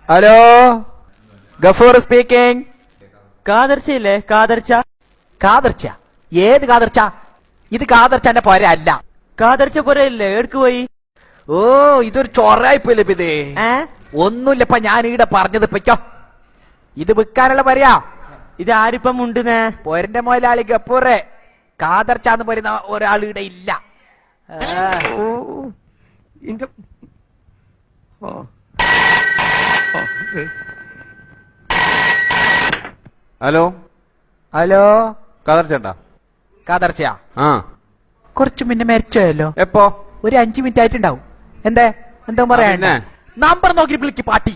Hello, Gafoor speaking. കാതർച്ചയില്ലേ? കാതർച്ച. കാതർച്ച? ഏത് കാതർച്ച? ഇത് കാതർച്ചന്റെ പോര അല്ല. കാതർച്ച പോരല്ലേ? എടുക്ക് പോയി. ഓ, ഇതൊരു ചൊറായിപ്പോയില്ലേ ഇത്. ഒന്നുമില്ലപ്പ ഞാൻ ഈടെ പറഞ്ഞത് ഇപ്പോ ഇത് വിൽക്കാനുള്ള പറയാ. ഇത് ആരിപ്പം ഉണ്ടെന്നേ? പോരന്റെ മുതലാളി ഗഫൂറെ. കാതർച്ചാന്ന് പറയുന്ന ഒരാൾ ഇവിടെ ഇല്ല. ഹലോ ഹലോ, കാതർച്ചേട്ടാ? കാതർച്ചയാ? ആ, കുറച്ചു മുന്നേ മരിച്ചോയല്ലോ. എപ്പോ? ഒരു 5 മിനിറ്റ് ആയിട്ടുണ്ടാവും. എന്താ പറയാ? നമ്പർ നോക്കി വിളിക്ക് പാട്ടി.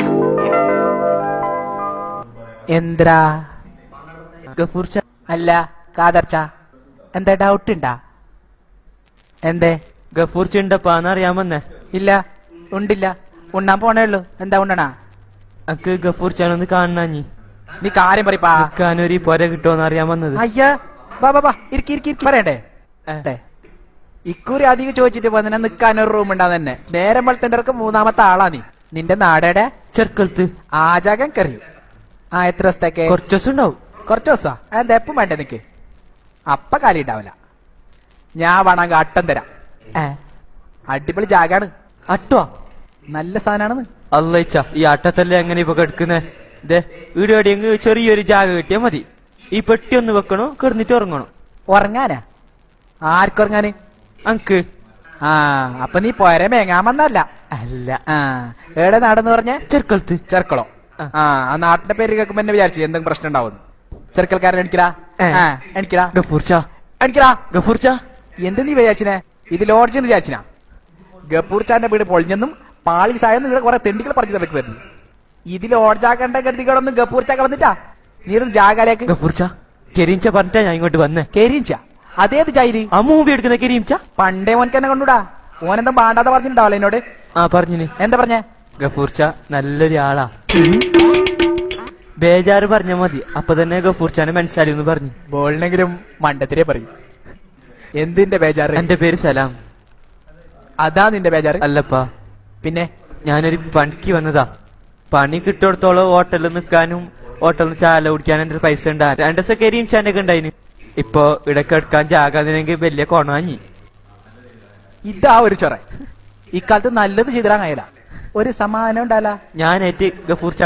എന്തിരാ? ഗഫൂർച്ച അല്ല, കാതർച്ച. എന്താ ഡൗട്ട് ഉണ്ടാ? എന്തേ? ഗഫൂർച്ച ഉണ്ടപ്പാന്ന് അറിയാമെന്നേ. ഇല്ല, ഉണ്ടില്ല. ഉണ്ണാൻ പോണേ ഉള്ളു. എന്താ ഉണ്ടണാ? അക്ക് ഗഫൂർച്ചാനൊന്ന് കാണാഞ്ഞി. നീ കാര്യം പറയപ്പാ. നിക്കാനൊരു പൊര കിട്ടുമെന്ന് അറിയാൻ വന്നത്. അയ്യാ, ബാ ഇരിക്കി പറയണ്ടേ? ഇക്കുറി അധികം ചോദിച്ചിട്ട് വന്നെ നിക്കാനൊരു റൂം ഉണ്ടാ തന്നെ. നേരം വളർത്തേണ്ടവർക്ക് 3ാമത്തെ ആളാ നീ. നിന്റെ നാടേടെ? ചെറുക്കൽത്ത്. ആജാകം കറിയും. എത്ര ദിവസത്തേക്ക്? കുറച്ച് ദിവസം ഉണ്ടാവും. കുറച്ച് ദിവസാ? എന്താ എപ്പം വേണ്ടേ നിക്ക്? അപ്പ കാര്യം ഉണ്ടാവില്ല. ഞാൻ വേണമെങ്കിൽ അട്ടം തരാം. അടിപൊളി ജാഗാണ്. അട്ടോ? നല്ല സാധനാണെന്ന്. അല്ലച്ച, ഈ അട്ടത്തല്ലേ എങ്ങനെ ഇപ്പൊ കിടക്കുന്നേ? ഇതേ ഈടെയെങ്കിൽ ചെറിയൊരു ജാഗ കിട്ടിയാ മതി. ഈ പെട്ടി ഒന്ന് വെക്കണോ, കിടന്നിട്ട് ഉറങ്ങണോ. ഉറങ്ങാനാ? ആർക്കുറങ്ങാന്? അങ്ക്. അപ്പൊ നീ പോരെ മേങ്ങാമെന്നല്ല? അല്ല. ഏടെ നാടെന്ന് പറഞ്ഞ? ചെറുക്കൽത്ത്. ചെർക്കളോ? ആ നാട്ടിന്റെ പേര് കേൾക്കുമ്പോ എന്നെ വിചാരിച്ചു എന്തെങ്കിലും പ്രശ്നം ഉണ്ടാവുന്നു. ചെറുക്കൽക്കാരൻ എണിക്കടാ. എണിക്കടാ. ഗഫൂർച്ച. എണിക്കടാ. ഗഫൂർച്ച. എന്ത് നീ വിചാരിച്ചിനെ? ഇത് ലോഡ്ജെന്ന് വിചാരിച്ചിനാ? ഗഫൂർച്ചാന്റെ വീട് പൊളിഞ്ഞെന്നും പാളീസായെന്നും ഇവിടെ കുറെ തെണ്ടികൾ പറഞ്ഞു തലക്ക് വരുന്നു. ഇത് ലോഡ്ജാക്കേണ്ട ഗതികളൊന്നും ഗഫൂർച്ചാക്ക വന്നിട്ടാ. നീ ഇരുന്ന് ജാഗാലേക്ക്. ഗഫൂർച്ച കെരീംച്ച പറഞ്ഞിട്ടാ ഞാൻ ഇങ്ങോട്ട് വന്നേ. കെരീംച്ച? അതേത് ജയില്? ആ മൂവി എടുക്കുന്ന കെരീംച്ച. പണ്ടേ മോനക്ക് എന്നെ കൊണ്ടുവിടാ. ഓനെന്താ പാണ്ടാതെ പറഞ്ഞിട്ടുണ്ടാവല്ലോ എന്നോട്. പറഞ്ഞിന്. എന്താ പറഞ്ഞേ? ഗഫൂർച്ച നല്ലൊരു ആളാ. ബേജാറ് പറഞ്ഞ മതി, അപ്പൊ തന്നെ ഗഫൂർച്ചാനെ മനസ്സിലായി എന്ന് പറഞ്ഞു. ബോളിനെങ്കിലും മണ്ടത്തിരെ പറയും. എന്തിന്റെ ബേജാറ്? എന്റെ പേര് സലാം. അതാ നിന്റെ ബേജാറ്? അല്ലപ്പാ. പിന്നെ? ഞാനൊരു പണിക്ക് വന്നതാ. പണി കിട്ടിയോടത്തോളം ഹോട്ടലിൽ നിൽക്കാനും ഹോട്ടലിൽ നിന്ന് ചാല കുടിക്കാനും എന്റെ പൈസ ഉണ്ടാ. 2 ദിവസം കെരീംച്ചാന്റെ ഒക്കെ ഉണ്ടായിന്. ഇപ്പൊ ഇടയ്ക്ക് എടുക്കാൻ ജാകാതിനെങ്കിൽ വലിയ കൊണാഞ്ഞി. ഇതാ ഒരു ചൊറ. ഇക്കാലത്ത് നല്ലത് ചെയ്തിടാൻ കഴിയില്ല. ഒരു സമാധാനം ഉണ്ടാല. ഞാനേറ്റ് ഗഫൂർച്ച